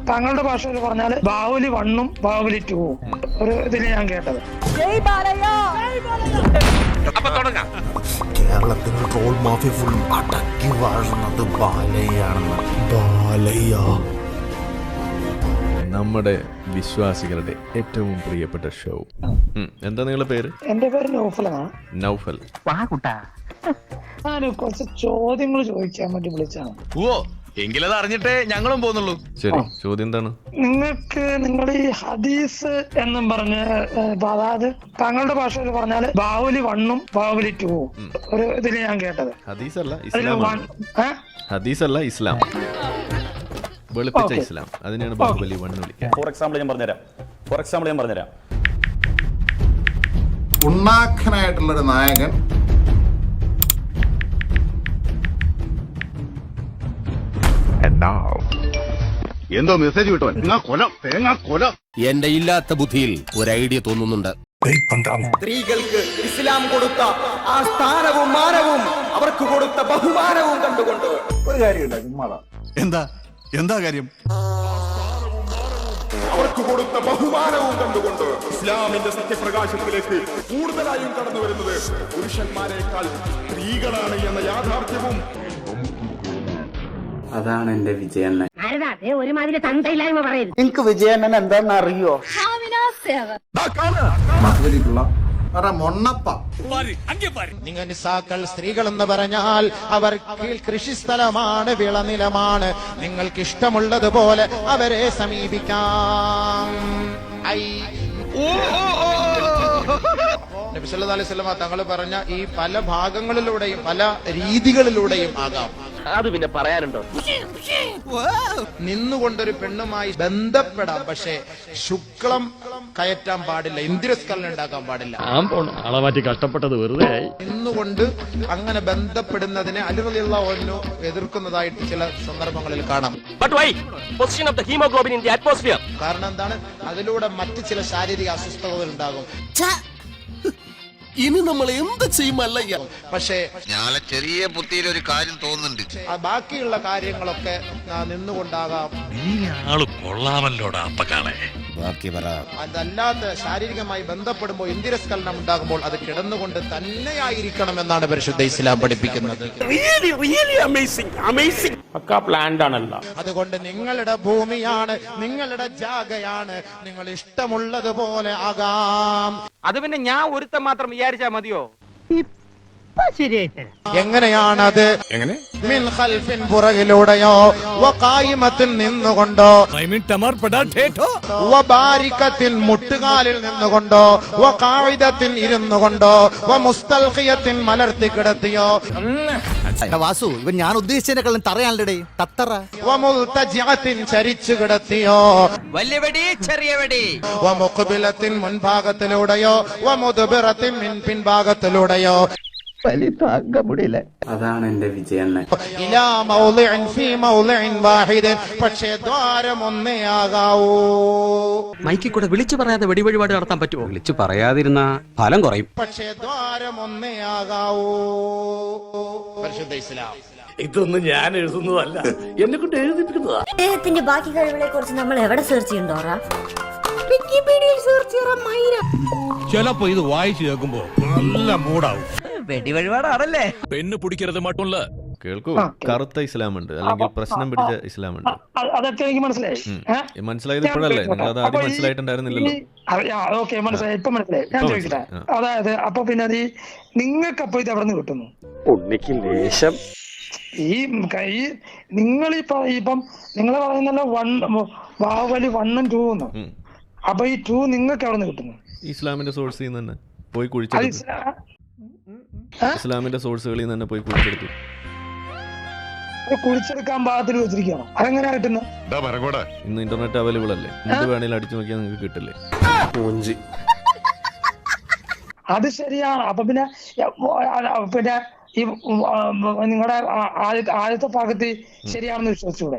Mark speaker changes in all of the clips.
Speaker 1: താങ്കളുടെ ഭാഷയിൽ പറഞ്ഞാല് ബാഹുബലി 1ഉം ബാഹുബലി 2ഉം ഒരു ഇതിൽ ഞാൻ കേട്ടത്.
Speaker 2: കേരളത്തിന്റെ ട്രോൾ മാഫിയ ഫുൾ അടക്കി വാഴുന്നത് ബാലയ്യാണെന്ന്. ബാലയ്യ
Speaker 3: നമ്മുടെ വിശ്വാസികളുടെ ഏറ്റവും പ്രിയപ്പെട്ട ഷോ. എന്താ നിങ്ങളുടെ പേര്?
Speaker 1: എന്റെ പേര് നൗഫലാണ്.
Speaker 3: നൗഫൽ.
Speaker 1: ഞാൻ കുറച്ച് ചോദ്യങ്ങൾ ചോദിക്കാൻ വേണ്ടി വിളിച്ചാണ്.
Speaker 4: ഓ എങ്കിലത് അറിഞ്ഞിട്ടേ ഞങ്ങളും പോകുന്നുള്ളൂ.
Speaker 3: ശരി, ചോദ്യം എന്താണ്?
Speaker 1: നിങ്ങൾക്ക് നിങ്ങൾ ഈ ഹദീസ് എന്നും പറഞ്ഞ് അതായത് താങ്കളുടെ ഭാഷയിൽ പറഞ്ഞാല് ബാഹുബലി 1ഉം ബാഹുബലി 2ഉം ഒരു ഇതിൽ ഞാൻ കേട്ടത്.
Speaker 3: ഹദീസല്ല ഇസ്ലാം, വെളുപ്പിച്ച ഇസ്ലാം. അതിനെയാണ് ബാഹുബലി 1 വിളിക്കുക.
Speaker 5: ഫോർ എക്സാമ്പിൾ ഞാൻ പറഞ്ഞുതരാം.
Speaker 2: ഉണ്ണാഖനായിട്ടുള്ളൊരു നായകൻ
Speaker 6: എന്തോ മെസ്സേജ് കിട്ടോ? കൊല
Speaker 7: എന്റെ ഇല്ലാത്ത ബുദ്ധിയിൽ ഒരു ഐഡിയ തോന്നുന്നുണ്ട്.
Speaker 8: സ്ത്രീകൾക്ക് ഇസ്ലാം കൊടുത്ത ആ സ്ഥാനവും മാനവും അവർക്ക് കൊടുത്ത ബഹുമാനവും കണ്ടുകൊണ്ട്
Speaker 6: ഒരു കാര്യമുണ്ട്. എന്താ കാര്യം?
Speaker 8: അവർക്ക് കൊടുത്ത ബഹുമാനവും കണ്ടുകൊണ്ട് ഇസ്ലാമിന്റെ സത്യപ്രകാശത്തിലേക്ക് കൂടുതലായും കടന്നു വരുന്നത് പുരുഷന്മാരെക്കാൾ സ്ത്രീകളാണ് എന്ന യാഥാർത്ഥ്യവും.
Speaker 9: അതാണ് എന്റെ വിജയണ്ണൻ.
Speaker 10: ഒരുമാതിരി തന്തയില്ലായ്മ പറയുന്നത്.
Speaker 8: എനിക്ക് വിജയണ്ണൻ എന്താണെന്ന് അറിയോ?
Speaker 7: നിങ്ങൾ നിസാക്കൾ സ്ത്രീകൾ എന്ന് പറഞ്ഞാൽ അവർ കൃഷിസ്ഥലമാണ്, വിളനിലമാണ്. നിങ്ങൾക്ക് ഇഷ്ടമുള്ളതുപോലെ അവരെ സമീപിക്കാം. നബി സല്ലല്ലാഹു അലൈഹി വസല്ലം തങ്ങൾ പറഞ്ഞ ഈ പല ഭാഗങ്ങളിലൂടെയും പല രീതികളിലൂടെയും ആകാം.
Speaker 9: അത് പിന്നെ പറയാനുണ്ടോ?
Speaker 7: നിന്നുകൊണ്ടൊരു പെണ്ണുമായി ബന്ധപ്പെടാം, പക്ഷേ ശുക്ലം കയറ്റാൻ പാടില്ല, ഇന്ദ്രസ്കലനം ഉണ്ടാക്കാൻ പാടില്ല.
Speaker 11: ആളമാറ്റി കഷ്ടപ്പെട്ടത് വെറുതെ ആയി.
Speaker 7: നിന്നുകൊണ്ട് അങ്ങനെ ബന്ധപ്പെടുന്നതിനെ അലി റളിയല്ലാഹു അൻഹു എതിർക്കുന്നതായിട്ട് ചില സന്ദർഭങ്ങളിൽ കാണാം. കാരണം എന്താണ്? അതിലൂടെ മറ്റു ചില ശാരീരിക അസ്വസ്ഥതകൾ ഉണ്ടാകും.
Speaker 2: ഇനി നമ്മൾ എന്ത് ചെയ്യുമല്ല.
Speaker 7: പക്ഷേ
Speaker 6: ചെറിയ ബുദ്ധിയിൽ ഒരു കാര്യം തോന്നുന്നുണ്ട്.
Speaker 7: ബാക്കിയുള്ള കാര്യങ്ങളൊക്കെ നിന്നുകൊണ്ടാകാം.
Speaker 4: കൊള്ളാമല്ലോടാ അപ്പക്കാളെ.
Speaker 7: അതല്ലാത്ത ശാരീരികമായി ബന്ധപ്പെടുമ്പോൾ ഇന്ദ്രിയസ്ഖലനം ഉണ്ടാകുമ്പോൾ അത് കിടന്നുകൊണ്ട് തന്നെയായിരിക്കണം എന്നാണ് പരിശുദ്ധ ഇസ്ലാം പഠിപ്പിക്കുന്നത്. അതുകൊണ്ട് നിങ്ങളുടെ ഭൂമിയാണ്, നിങ്ങളുടെ ജാഗയാണ്, നിങ്ങൾ ഇഷ്ടമുള്ളതുപോലെ ആകാം.
Speaker 9: അത് പിന്നെ ഞാൻ ഒരുത്തം മാത്രം വിചാരിച്ചാ മതിയോ?
Speaker 7: എങ്ങനെയാണത്? മിൻ ഖൽഫിൻ പുറകിലൂടെയോ വഖായിമത്തിൻ നിന്നുകൊണ്ടോ വബാരികത്തിൻ മുട്ടുകാലിൽ നിന്നുകൊണ്ടോ വഖായിദത്തിൻ ഇരുന്നുകൊണ്ടോ വമുസ്തൽഖിയത്തിൻ മലർത്തി കിടത്തിയോ.
Speaker 2: വാസു, ഇവൻ ഞാൻ ഉദ്ദേശിച്ചതിനെക്കാളും തറയാണല്ലേ തത്തറ.
Speaker 7: വമുൽതജിഅത്തിൻ ചരിച്ചു കിടത്തിയോ.
Speaker 9: വലിയ വെടി ചെറിയ വെടി.
Speaker 7: വമുഖ്ബിലത്തിൻ മുൻഭാഗത്തിലൂടെയോ വമുദ്ബിറത്തിൻ പിൻഭാഗത്തിലൂടെയോ.
Speaker 9: അതാണ് എന്റെ വിജയണ്ണൻ.
Speaker 7: ഇലാ മൗളിഇൻ ഫീ മൗളിഇൻ വാഹിദ്. പക്ഷേ ദ്വാരം ഒന്നേ ആകാവൂ.
Speaker 9: മൈക്കിൽ കൂടെ വിളിച്ചു പറയാതെ വെടിവഴിപാട് നടത്താൻ പറ്റുമോ? വിളിച്ചു പറയാതിരുന്ന ഫലം കുറയും.
Speaker 7: പക്ഷേ ദ്വാരം ഒന്നേ ആകാവൂ. പരിശുദ്ധ ഇസ്ലാം.
Speaker 11: ഇതൊന്നും ഞാൻ എഴുതുന്നതല്ല, എന്നെ കൊണ്ട് എഴുതിപ്പിക്കുന്നതാ.
Speaker 10: അദ്ദേഹത്തിന്റെ ബാക്കി കഴിവുകളെ കുറിച്ച് നമ്മൾ എവിടെ സെർച്ച് ചെയ്യണ്ടോറാ? വിക്കിപീഡിയയിൽ സെർച്ച് ചെയ്യാൻ മൈര.
Speaker 11: ചിലപ്പോ ഇത് വായിച്ചു കേൾക്കുമ്പോ നല്ല മൂടാവും.
Speaker 9: വെടിവഴിപാടാണല്ലേ.
Speaker 11: പെണ്ണ് പിടിക്കരുത് മറ്റുള്ള.
Speaker 3: കേൾക്കൂ, കറുത്ത ഇസ്ലാം ഉണ്ട്, അല്ലെങ്കിൽ പ്രശ്നം പിടിച്ച ഇസ്ലാം ഉണ്ട്.
Speaker 1: അതൊക്കെ എനിക്ക് മനസ്സിലായി.
Speaker 3: മനസ്സിലായത് ഇപ്പോഴല്ലേ? നിങ്ങൾ അത് ആദ്യം മനസ്സിലായിട്ടുണ്ടായിരുന്നില്ലല്ലോ.
Speaker 1: ഓക്കെ, മനസ്സിലായി, ഇപ്പൊ മനസ്സിലായി. ഞാൻ ചോദിക്കട്ടെ, അതായത് അപ്പൊ പിന്നെ അത് നിങ്ങൾക്ക് അപ്പൊ ഇത് എവിടെ നിന്ന് കിട്ടുന്നു?
Speaker 9: ലേശം
Speaker 1: ഈ നിങ്ങളിപ്പം നിങ്ങൾ പറയുന്നല്ലോ ബാഹുബലി 1ഉം 2ഉം. അപ്പൊ ഈ 2 നിങ്ങൾക്ക് എവിടെ നിന്ന് കിട്ടുന്നു?
Speaker 3: ഇസ്ലാമിന്റെ സോഴ്സിൽ നിന്ന് തന്നെ പോയി കുഴിച്ചെടുത്തു. ഇസ്ലാമിന്റെ സോഴ്സുകളിൽ നിന്ന് തന്നെ പോയി കുഴിച്ചെടുത്തു.
Speaker 1: കുഴിച്ചെടുക്കാൻ പാകത്തിൽ വെച്ചിരിക്കണം. അതെങ്ങനെയാ കിട്ടുന്നത്?
Speaker 3: ഇന്ന് ഇന്റർനെറ്റ് അവൈലബിൾ അല്ലേ? എന്ത് വേണേലും അടിച്ചു നോക്കിയാൽ നിങ്ങൾക്ക് കിട്ടില്ലേ?
Speaker 1: അത് ശരിയാണ്. അപ്പൊ പിന്നെ ഈ നിങ്ങളുടെ ആദ്യത്തെ ഭാഗത്ത് ശരിയാണെന്ന് വിശ്വസിച്ചൂടെ?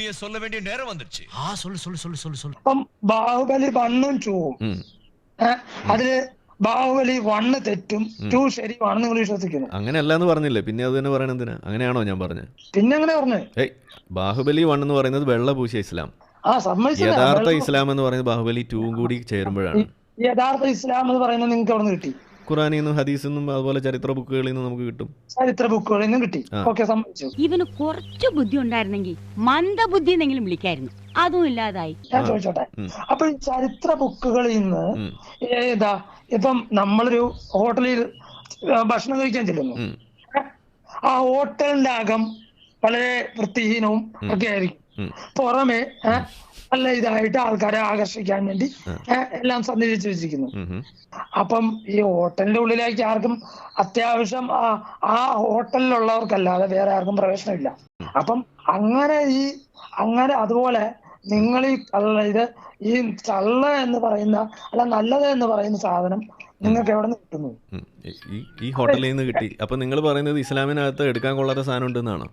Speaker 1: അപ്പം ബാഹുബലി 1ഉം 2ഉം അതില് ബാഹുബലി 1 തെറ്റും 2 ശരിയാണെന്ന് നിങ്ങൾ വിശ്വസിക്കുന്നു?
Speaker 3: അങ്ങനെയല്ല എന്ന് പറഞ്ഞില്ലേ, പിന്നെ അത് തന്നെ പറയണ എന്തിനാ? അങ്ങനെയാണോ ഞാൻ പറഞ്ഞത്?
Speaker 1: പിന്നെ എങ്ങനെ പറഞ്ഞു?
Speaker 3: ബാഹുബലി 1 എന്ന് പറയുന്നത് വെള്ള പൂശിയ ഇസ്ലാം.
Speaker 1: സമ്മതിച്ചില്ല.
Speaker 3: യഥാർത്ഥ ഇസ്ലാം എന്ന് പറയുന്നത് ബാഹുബലി 2 കൂടി ചേരുമ്പോഴാണ്.
Speaker 1: യഥാർത്ഥ ഇസ്ലാം എന്ന് പറയുന്നത് നിങ്ങൾക്ക് എവിടെ നിന്ന് കിട്ടി?
Speaker 3: ഖുറാനിൽ നിന്നും ഹദീസിൽ നിന്നും അതുപോലെ ചരിത്ര ബുക്കുകളിൽ നിന്നും നമുക്ക് കിട്ടും.
Speaker 1: ചരിത്ര ബുക്കുകളിൽ നിന്നും കിട്ടി. ഓക്കെ, സമ്മതിച്ചു.
Speaker 10: ഇവന് കുറച്ച് ബുദ്ധി ഉണ്ടായിരുന്നെങ്കിൽ മന്ദബുദ്ധി എന്നെങ്കിലും വിളിക്കായിരുന്നു. അതും ഇല്ലാതായി.
Speaker 1: ഞാൻ ചോദിച്ചോട്ടെ, അപ്പൊ ഈ ചരിത്ര ബുക്കുകളിൽ നിന്ന് ഇപ്പം നമ്മളൊരു ഹോട്ടലിൽ ഭക്ഷണം കഴിക്കാൻ ചെല്ലുന്നു. ആ ഹോട്ടലിന്റെ അകം വളരെ വൃത്തിഹീനവും ഒക്കെ ആയിരിക്കും. പുറമെ നല്ല ഇതായിട്ട് ആൾക്കാരെ ആകർഷിക്കാൻ വേണ്ടി എല്ലാം സന്നിധിച്ചു വെച്ചിരിക്കുന്നു. അപ്പം ഈ ഹോട്ടലിന്റെ ഉള്ളിലേക്ക് ആർക്കും അത്യാവശ്യം ആ ഹോട്ടലിലുള്ളവർക്കല്ലാതെ വേറെ ആർക്കും പ്രവേശനമില്ല. അപ്പം അങ്ങനെ അതുപോലെ നിങ്ങൾ ഈ ചള്ള എന്ന് പറയുന്ന അല്ല നല്ലത് എന്ന് പറയുന്ന സാധനം നിങ്ങൾക്ക് എവിടെ നിന്ന് കിട്ടുന്നു?
Speaker 3: ഈ ഹോട്ടലിൽ നിന്ന് കിട്ടി. അപ്പൊ നിങ്ങൾ പറയുന്നത് ഇസ്ലാമിനകത്ത് എടുക്കാൻ കൊള്ളാത്ത സാധനം ഉണ്ടെന്നാണോ?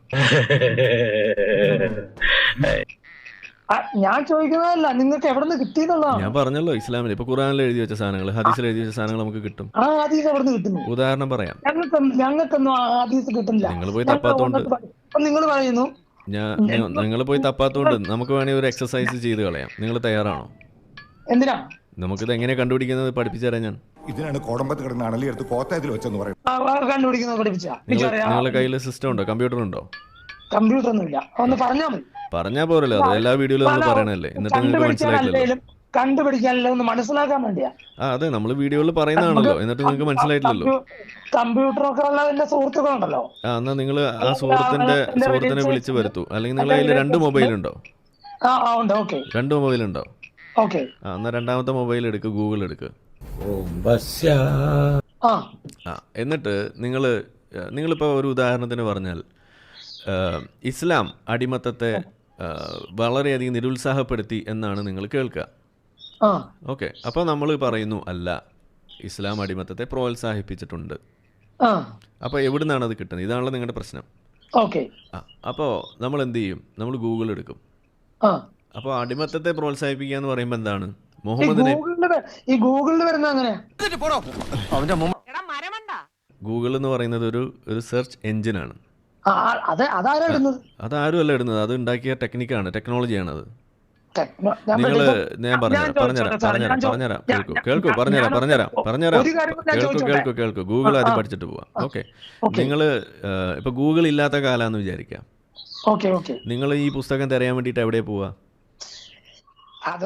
Speaker 1: ഞാൻ ചോദിക്കുന്നതല്ല, നിങ്ങൾക്ക് എവിടെ നിന്ന് കിട്ടി എന്നുള്ളതാണ്.
Speaker 3: ഞാൻ പറഞ്ഞല്ലോ, ഇസ്ലാമിൽ ഇപ്പൊ ഖുറാനിൽ എഴുതി വെച്ച സാധനങ്ങൾ, ഹദീസിൽ എഴുതി വെച്ച സാധനങ്ങൾ നമുക്ക് കിട്ടും.
Speaker 1: ആ ഹദീസ് എവിടെ നിന്ന് കിട്ടുന്നു?
Speaker 3: ഉദാഹരണം പറയാം.
Speaker 1: ഞങ്ങൾക്കൊന്നും ആ ഹദീസ് കിട്ടുന്നില്ല.
Speaker 3: നിങ്ങൾ പോയി തപ്പാത്തോണ്ട്
Speaker 1: നിങ്ങൾ പറയുന്നു
Speaker 3: നിങ്ങൾ പോയി തപ്പാത്തോണ്ട് നമുക്ക് വേണമെങ്കിൽ ഒരു എക്സസൈസ് ചെയ്ത് കളയാം. നിങ്ങൾ തയ്യാറാണോ?
Speaker 1: എന്തിനാ?
Speaker 3: നമുക്കിത് എങ്ങനെ കണ്ടുപിടിക്കുന്നത് പഠിപ്പിച്ചു തരാം ഞാൻ.
Speaker 8: ഇതിനാണ് കോടമ്പത്ത് കിടന്ന് അണലിയെടുത്ത് കോത്തയത്തിൽ വെച്ചെന്ന് പറയും.
Speaker 1: കണ്ടുപിടിക്കുന്നത് പഠിപ്പിച്ചാ?
Speaker 3: നിങ്ങളുടെ കയ്യിൽ സിസ്റ്റം ഉണ്ടോ? കമ്പ്യൂട്ടർ ഉണ്ടോ?
Speaker 1: കമ്പ്യൂട്ടർ ഒന്നുമില്ല. ഒന്ന് പറഞ്ഞാൽ മതി.
Speaker 3: പറഞ്ഞാ പോരല്ലോ, അത് എല്ലാ വീഡിയോയിലും നമ്മൾ പറയണല്ലേ, എന്നിട്ട് നിങ്ങൾക്ക് മനസ്സിലായിട്ടില്ലല്ലോ.
Speaker 1: കണ്ടുപിടിക്കാനല്ലോ, ഒന്ന് മനസ്സിലാക്കാൻ വേണ്ടിയാ.
Speaker 3: അതെ, നമ്മൾ വീഡിയോയിൽ പറയുന്നതാണല്ലോ, എന്നിട്ട് നിങ്ങൾക്ക് മനസ്സിലായിട്ടില്ലല്ലോ.
Speaker 1: കമ്പ്യൂട്ടറൊക്കെ ഉള്ള എന്റെ സുഹൃത്തുക്കളുണ്ടല്ലോ.
Speaker 3: എന്നാ നിങ്ങൾ ആ സുഹൃത്തിനെ വിളിച്ചു വരുത്തൂ. അല്ലെങ്കിൽ നിങ്ങളുടെ കയ്യിൽ 2 മൊബൈൽ ഉണ്ടോ? 2 മൊബൈൽ ഉണ്ടോ? എന്നാ രണ്ടാമത്തെ മൊബൈൽ എടുക്ക്, ഗൂഗിൾ എടുക്ക്. എന്നിട്ട് നിങ്ങളിപ്പോ ഒരു ഉദാഹരണത്തിന് പറഞ്ഞാൽ ഇസ്ലാം അടിമത്തത്തെ വളരെയധികം നിരുത്സാഹപ്പെടുത്തി എന്നാണ് നിങ്ങൾ കേൾക്കുക. ഓക്കെ, അപ്പോൾ നമ്മൾ പറയുന്നു അല്ല, ഇസ്ലാം അടിമത്തത്തെ പ്രോത്സാഹിപ്പിച്ചിട്ടുണ്ട്. അപ്പോൾ എവിടെ നിന്നാണ് അത് കിട്ടുന്നത്? ഇതാണല്ലോ നിങ്ങളുടെ പ്രശ്നം. അപ്പോൾ നമ്മൾ എന്ത് ചെയ്യും? നമ്മൾ ഗൂഗിൾ എടുക്കും. അപ്പോൾ അടിമത്തത്തെ പ്രോത്സാഹിപ്പിക്കുക എന്ന് പറയുമ്പോൾ എന്താണ്? മുഹമ്മദിനെ ഗൂഗിൾ എന്ന് പറയുന്നത് ഒരു സെർച്ച് എഞ്ചിനാണ്. അതാരും അല്ല ഇടുന്നത്, അത് ഉണ്ടാക്കിയ ടെക്നിക്കാണ്, ടെക്നോളജിയാണ് അത്. ഞാൻ പറഞ്ഞുതരാം. കേൾക്കൂ. ഗൂഗിൾ ആദ്യം പഠിച്ചിട്ട് പോവാം. ഓക്കെ, നിങ്ങൾ ഇപ്പൊ ഗൂഗിൾ ഇല്ലാത്ത കാലാന്ന് വിചാരിക്കാം. നിങ്ങൾ ഈ പുസ്തകം തിരയാൻ വേണ്ടിട്ട് എവിടെയാ പോവാ?
Speaker 1: അത്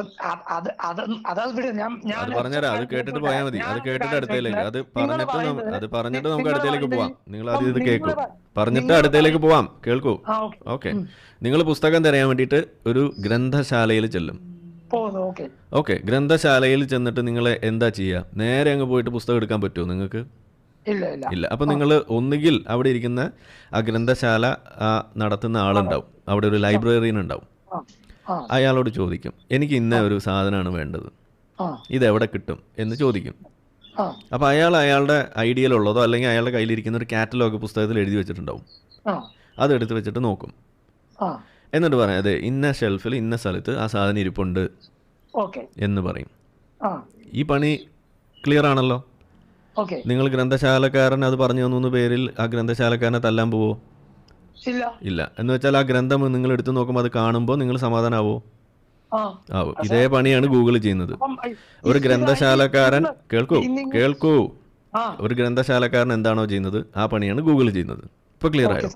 Speaker 3: പറഞ്ഞുതരാം. അത് കേട്ടിട്ട് പോയാൽ മതി. അത് കേട്ടിട്ട് അടുത്തേക്ക്, അത് പറഞ്ഞിട്ട് നമുക്ക് അടുത്തേക്ക് പോവാം. നിങ്ങൾ ആദ്യം ഇത് കേൾക്കൂ, പറഞ്ഞിട്ട് അടുത്തേക്ക് പോവാം. കേൾക്കൂ. ഓക്കെ, നിങ്ങൾ പുസ്തകം തിരയാൻ വേണ്ടിയിട്ട് ഒരു ഗ്രന്ഥശാലയിൽ ചെല്ലും. ഓക്കെ, ഗ്രന്ഥശാലയിൽ ചെന്നിട്ട് നിങ്ങൾ എന്താ ചെയ്യുക? നേരെ അങ്ങ് പോയിട്ട് പുസ്തകം എടുക്കാൻ പറ്റുമോ നിങ്ങൾക്ക്? ഇല്ല. അപ്പൊ നിങ്ങൾ ഒന്നുകിൽ അവിടെ ഇരിക്കുന്ന ആ ഗ്രന്ഥശാല നടത്തുന്ന ആളുണ്ടാവും, അവിടെ ഒരു ലൈബ്രറിയൻ ഉണ്ടാവും. അയാളോട് ചോദിക്കും, എനിക്ക് ഇന്ന ഒരു സാധനമാണ് വേണ്ടത്, ഇതെവിടെ കിട്ടും എന്ന് ചോദിക്കും. അപ്പോൾ അയാളുടെ ഐഡിയയിലുള്ളതോ അല്ലെങ്കിൽ അയാളുടെ കയ്യിലിരിക്കുന്ന ഒരു കാറ്റലോഗ് പുസ്തകത്തിൽ എഴുതി വെച്ചിട്ടുണ്ടാവും. അതെടുത്ത് വെച്ചിട്ട് നോക്കും. എന്നിട്ട് പറയാം, അതെ ഇന്ന ഷെൽഫിൽ ഇന്ന സ്ഥലത്ത് ആ സാധനം ഇരിപ്പുണ്ട് എന്ന് പറയും. ഈ പണി ക്ലിയർ ആണല്ലോ. നിങ്ങൾ ഗ്രന്ഥശാലക്കാരൻ അത് പറഞ്ഞു തന്നു പേരിൽ ആ ഗ്രന്ഥശാലക്കാരനെ തല്ലാൻ പോവോ? ഇല്ല. എന്ന് വെച്ചാൽ ആ ഗ്രന്ഥം നിങ്ങൾ എടുത്തു നോക്കുമ്പോൾ അത് കാണുമ്പോൾ നിങ്ങൾ സമാധാനാവോ? ആവും. ഇതേ പണിയാണ് ഗൂഗിൾ ചെയ്യുന്നത്. ഒരു ഗ്രന്ഥശാലക്കാരൻ കേൾക്കൂ ഒരു ഗ്രന്ഥശാലക്കാരൻ എന്താണോ ചെയ്യുന്നത് ആ പണിയാണ് ഗൂഗിൾ ചെയ്യുന്നത്. ഇപ്പൊ ക്ലിയർ ആയോ?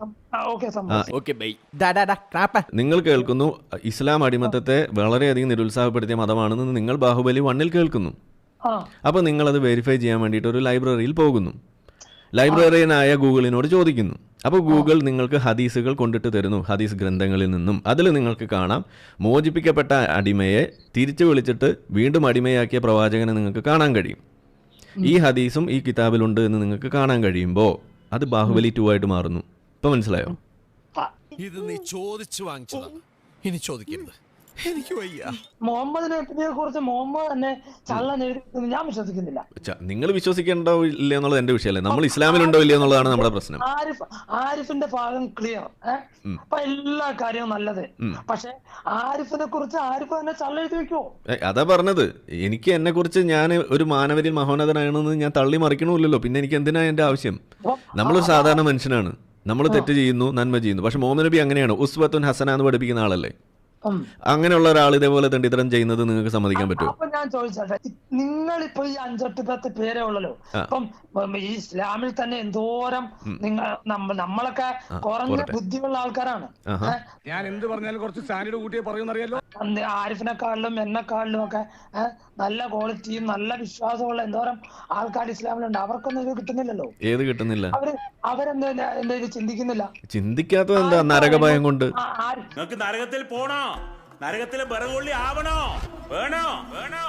Speaker 3: നിങ്ങൾ കേൾക്കുന്നു ഇസ്ലാം അടിമത്തത്തെ വളരെയധികം നിരുത്സാഹപ്പെടുത്തിയ മതമാണെന്ന് നിങ്ങൾ ബാഹുബലി 1 കേൾക്കുന്നു. അപ്പോൾ നിങ്ങളത് വെരിഫൈ ചെയ്യാൻ വേണ്ടിയിട്ട് ഒരു ലൈബ്രറിയിൽ പോകുന്നു. ലൈബ്രറിയനായ ഗൂഗിളിനോട് ചോദിക്കുന്നു. അപ്പോൾ ഗൂഗിൾ നിങ്ങൾക്ക് ഹദീസുകൾ കൊണ്ടിട്ട് തരുന്നു, ഹദീസ് ഗ്രന്ഥങ്ങളിൽ നിന്നും. അതിൽ നിങ്ങൾക്ക് കാണാം മോചിപ്പിക്കപ്പെട്ട അടിമയെ തിരിച്ചു വിളിച്ചിട്ട് വീണ്ടും അടിമയാക്കിയ പ്രവാചകനെ നിങ്ങൾക്ക് കാണാൻ കഴിയും. ഈ ഹദീസും ഈ കിതാബിലുണ്ട് എന്ന് നിങ്ങൾക്ക് കാണാൻ കഴിയുമ്പോൾ അത് ബാഹുബലി 2 ആയിട്ട് മാറുന്നു. ഇപ്പൊ മനസ്സിലായോ?
Speaker 2: ഇത് നീ ചോദിച്ചു വാങ്ങിച്ചതാണ്, ഇനി ചോദിക്കരുത്. എനിക്ക് വയ്യ.
Speaker 1: മുഹമ്മദിനെ കുറിച്ച് മുഹമ്മദ് തന്നെ ഞാൻ വിശ്വസിക്കുന്നില്ല.
Speaker 3: നിങ്ങൾ വിശ്വസിക്കണ്ടോ ഇല്ല എന്നുള്ളത് എന്റെ വിഷയമല്ലേ. നമ്മൾ ഇസ്ലാമിലുണ്ടോ ഇല്ല എന്നുള്ളതാണ് നമ്മുടെ പ്രശ്നം.
Speaker 1: ആരിഫിന്റെ ഭാഗം ക്ലിയർ. അപ്പൊ എല്ലാ കാര്യവും നല്ലത്. പക്ഷെ ആരിഫിനെ കുറിച്ച് ആരിഫ് തന്നെ ചള്ളെഴുതി വെക്കുവോ?
Speaker 3: അതാ പറഞ്ഞത്. എനിക്ക് എന്നെ കുറിച്ച് ഞാൻ ഒരു മാനവരിൽ മഹോന്നതനാണെന്ന് ഞാൻ തള്ളി മറിക്കണമില്ലല്ലോ. പിന്നെ എനിക്ക് എന്തിനാ എന്റെ ആവശ്യം? നമ്മളൊരു സാധാരണ മനുഷ്യനാണ്, നമ്മൾ തെറ്റ് ചെയ്യുന്നു, നന്മ ചെയ്യുന്നു. പക്ഷെ മുഹമ്മദ് നബി അങ്ങനെയാണ്, ഉസ്വത്തുൻ ഹസന എന്ന് പഠിപ്പിക്കുന്ന ആളല്ലേ. അങ്ങനെയുള്ള ഒരാൾ ഇതേപോലെ തെണ്ടിത്തരം ചെയ്യുന്നത് നിങ്ങൾക്ക് സമ്മതിക്കാൻ പറ്റുമോ?
Speaker 1: അപ്പൊ ഞാൻ ചോദിച്ചോട്ടെ, നിങ്ങളിപ്പോ ഈ 5-8 പേരേ ഉള്ളല്ലോ. അപ്പം ഈ ഇസ്ലാമിൽ തന്നെ എന്തോരം നമ്മളൊക്കെ കുറഞ്ഞ ബുദ്ധിയുള്ള ആൾക്കാരാണ്.
Speaker 11: ഞാൻ എന്ത് പറഞ്ഞാലും കുറച്ച് സ്റ്റാൻഡേർഡ് കൂട്ടിയേ പറയുന്നറിയാലോ.
Speaker 1: ആരിഫിനെക്കാളിലും എന്നെക്കാളിലും ഒക്കെ നല്ല ക്വാളിറ്റിയും നല്ല വിശ്വാസമുള്ള എന്തോരം ആൾക്കാർ ഇസ്ലാമിലുണ്ട്. അവർക്കൊന്നും ഇത് കിട്ടുന്നില്ലല്ലോ.
Speaker 3: ഏത് കിട്ടുന്നില്ല?
Speaker 1: അവരെന്താ ചിന്തിക്കുന്നില്ല.
Speaker 3: ചിന്തിക്കാത്തത് എന്താ? നരകഭയം കൊണ്ട്.
Speaker 11: നിങ്ങൾക്ക് നരകത്തിൽ പോണോ? നരകത്തിലെ ബറകൊള്ളി ആവണോ? വേണോ? വേണോ?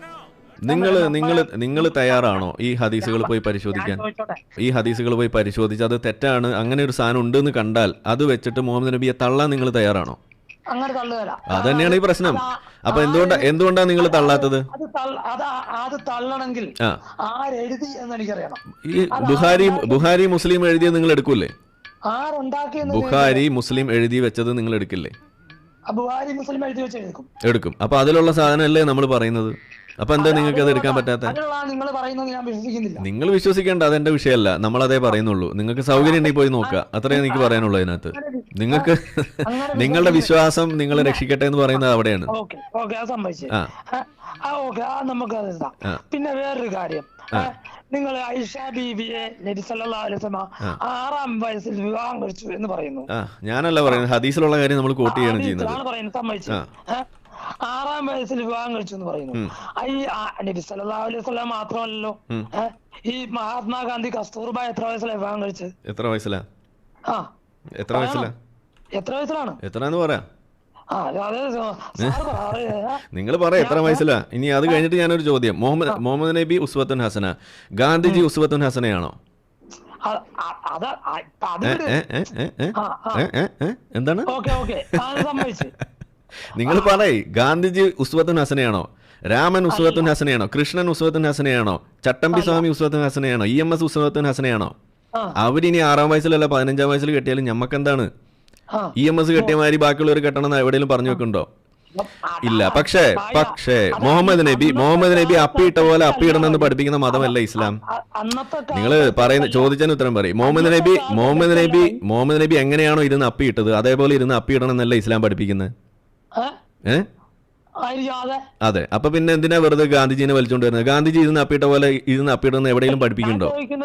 Speaker 3: നിങ്ങൾ തയ്യാറാണോ ഈ ഹദീസുകൾ പോയി പരിശോധിക്കാൻ? ഈ ഹദീസുകൾ പോയി പരിശോധിച്ച് അത് തെറ്റാണ്, അങ്ങനെ ഒരു സാധനം ഉണ്ടെന്ന് കണ്ടാൽ അത് വെച്ചിട്ട് മുഹമ്മദ് നബിയെ തള്ളാൻ നിങ്ങൾ തയ്യാറാണോ?
Speaker 1: അങ്ങനെ തള്ളുകയല്ല.
Speaker 3: അത് തന്നെയാണ് ഈ പ്രശ്നം. അപ്പൊ എന്തുകൊണ്ടാണ് നിങ്ങൾ തള്ളാത്തത്?
Speaker 1: അത് തള്ളണമെങ്കിൽ ആരെഴുതി എന്ന് എനിക്കറിയണം.
Speaker 3: ഈ ബുഹാരി മുസ്ലിം എഴുതിയത് നിങ്ങൾ എടുക്കൂലേ?
Speaker 1: ആരുണ്ടാക്കിയെന്ന്
Speaker 3: ബുഹാരി മുസ്ലിം എഴുതി വെച്ചത് നിങ്ങൾ എടുക്കില്ലേ?
Speaker 1: ബുഹാരി മുസ്ലിം എഴുതി വെച്ച്
Speaker 3: എടുക്കും. അപ്പൊ അതിലുള്ള സാധനമല്ലേ നമ്മൾ പറയുന്നത്? അപ്പൊ എന്താ നിങ്ങൾക്ക് അത് എടുക്കാൻ പറ്റാത്ത? നിങ്ങൾ വിശ്വസിക്കേണ്ട, അതെന്റെ വിഷയമല്ല. നമ്മളതേ പറയുന്നുള്ളൂ. നിങ്ങൾക്ക് സൗകര്യം ഉണ്ടെങ്കിൽ പോയി നോക്കുക, അത്രേ എനിക്ക് പറയാനുള്ളൂ. അതിനകത്ത് നിങ്ങൾക്ക് നിങ്ങളുടെ വിശ്വാസം നിങ്ങളെ രക്ഷിക്കട്ടെ എന്ന് പറയുന്നത് അവിടെയാണ്.
Speaker 1: പിന്നെ വേറൊരു കാര്യം, നിങ്ങൾ ഐഷ ബീബിയെ നബി സല്ലല്ലാഹു അലൈഹി വസല്ലം 6-ാം വയസ്സിൽ വിവാഹം കഴിച്ചു എന്ന് പറയുന്നു.
Speaker 3: ഞാനല്ല പറയുന്നത്, ഹദീസിലുള്ള കാര്യം നമ്മൾ കോട്ട് ചെയ്യാണ് ചെയ്യുന്നത്.
Speaker 1: 6-ാം വയസ്സിൽ വിവാഹം കഴിച്ചു എന്ന് പറയുന്നു. ഈ നബി സല്ലല്ലാഹു അലൈഹി വസല്ലം മാത്രമല്ലല്ലോ, ഈ മഹാത്മാഗാന്ധി കസ്തൂർബ എത്ര വയസ്സിലാണ് വിവാഹം കഴിച്ചത്?
Speaker 3: എത്ര വയസ്സിലാണ്? എത്രന്ന് പറയാ? നിങ്ങൾ പറയാം എത്ര വയസ്സിലാ. ഇനി അത് കഴിഞ്ഞിട്ട് ഞാനൊരു ചോദ്യം. മുഹമ്മദ് നബി ഉസ്വത്തുൻ ഹസന, ഗാന്ധിജി ഉസ്വത്തുൻ ഹസനയാണോ? എന്താണ് നിങ്ങൾ പറയ്. ഗാന്ധിജി ഉസ്വത്തുൻ ഹസനയാണോ? രാമൻ ഉസ്വത്തുൻ ഹസനയാണോ? കൃഷ്ണൻ ഉസ്വത്തുൻ ഹസനയാണോ? ചട്ടമ്പി സ്വാമി ഉസ്വത്തുൻ ഹസനയാണോ? EMS ഉസ്വത്തുൻ ഹസനയാണോ? അവരിനി 6-ാം വയസ്സിലല്ല 15-ാം വയസ്സിൽ കെട്ടിയാലും ഞമ്മക്കെന്താണ്? EMS കെട്ടിയമാതിരി ബാക്കിയുള്ളവർ കെട്ടണം എവിടെയെങ്കിലും പറഞ്ഞു വെക്കുന്നുണ്ടോ? ഇല്ല. പക്ഷേ മുഹമ്മദ് നബി അപ്പിയിട്ട പോലെ അപ്പിയിടണമെന്ന് പഠിപ്പിക്കുന്ന മതമല്ല ഇസ്ലാം. നിങ്ങൾ പറയുന്ന ചോദിച്ചതിന് ഉത്തരം പറയും. മുഹമ്മദ് നബി എങ്ങനെയാണോ ഇരുന്ന് അപ്പിയിട്ടത് അതേപോലെ ഇരുന്ന് അപ്പിയിടണം എന്നല്ല ഇസ്ലാം പഠിപ്പിക്കുന്നത്. അതെ. അപ്പൊ പിന്നെ എന്തിനാ വെറുതെ ഗാന്ധിജിനെ വലിച്ചോണ്ട് വരുന്നത്? ഗാന്ധിജി ഇരുന്ന് അപ്പിയിട്ട പോലെ ഇരുന്ന് അപ്പിയിടുന്ന എവിടെയെങ്കിലും പഠിപ്പിക്കുന്നുണ്ടോ?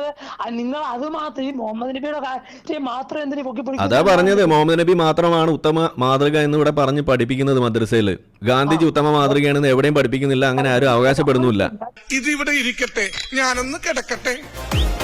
Speaker 3: അതാ പറഞ്ഞത്, മുഹമ്മദ് നബി മാത്രമാണ് ഉത്തമ മാതൃക എന്ന് ഇവിടെ പറഞ്ഞ് പഠിപ്പിക്കുന്നത് മദ്രസയിൽ. ഗാന്ധിജി ഉത്തമ മാതൃകയാണെന്ന് എവിടെയും പഠിപ്പിക്കുന്നില്ല. അങ്ങനെ ആരും അവകാശപ്പെടുന്നില്ല.
Speaker 6: ഇതിവിടെ ഇരിക്കട്ടെ, ഞാനൊന്ന് കിടക്കട്ടെ.